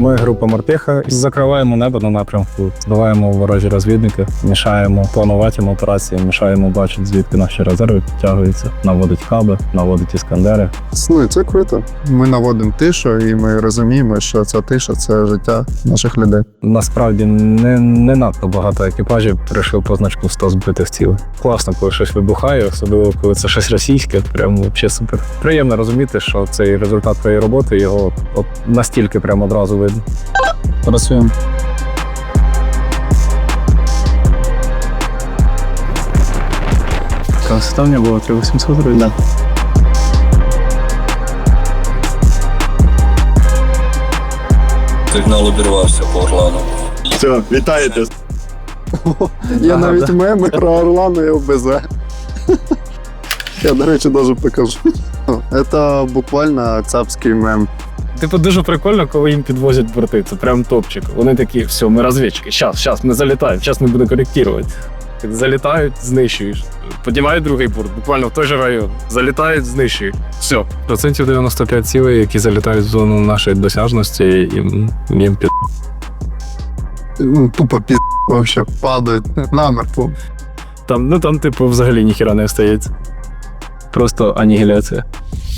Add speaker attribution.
Speaker 1: Ми група Мартиха. Закриваємо небо на напрямку, збиваємо ворожі розвідники, мішаємо планувати операції, мішаємо бачити, звідки наші резерви підтягуються, наводить хаби, наводить іскандери.
Speaker 2: Ну, і це круто. Ми наводимо тишу, і ми розуміємо, що ця тиша – це життя наших людей.
Speaker 1: Насправді не надто багато екіпажів прийшли по значку 100 збитих цілей. Класно, коли щось вибухає, особливо коли це щось російське, прямо взагалі супер. Приємно розуміти, що цей результат твоєї роботи, його от настільки прямо одразу видно.
Speaker 3: Працюємо. Ставлення було 3800 гривень? Да.
Speaker 4: Сигнал обірвався по Орлану.
Speaker 5: Все, вітаєте.
Speaker 2: Я навіть меми про Орлану і ОБЗ. Я, до речі, навіть покажу. Це буквально цапський мем.
Speaker 3: Типу дуже прикольно, коли їм підвозять борти. Це прям топчик. Вони такі, все, ми розвідчики, щас, ми залітаємо, щас ми будемо коректувати. Залітають, знищуєш. Піднімають другий борт, буквально в той же район. Залітають, знищують. Все. 95% цілей, які залітають в зону нашої досяжності, їм під...
Speaker 2: Тупо пі***, вообще падають намертво.
Speaker 3: Там, типу, взагалі ніхіра не остається. Просто анігіляція.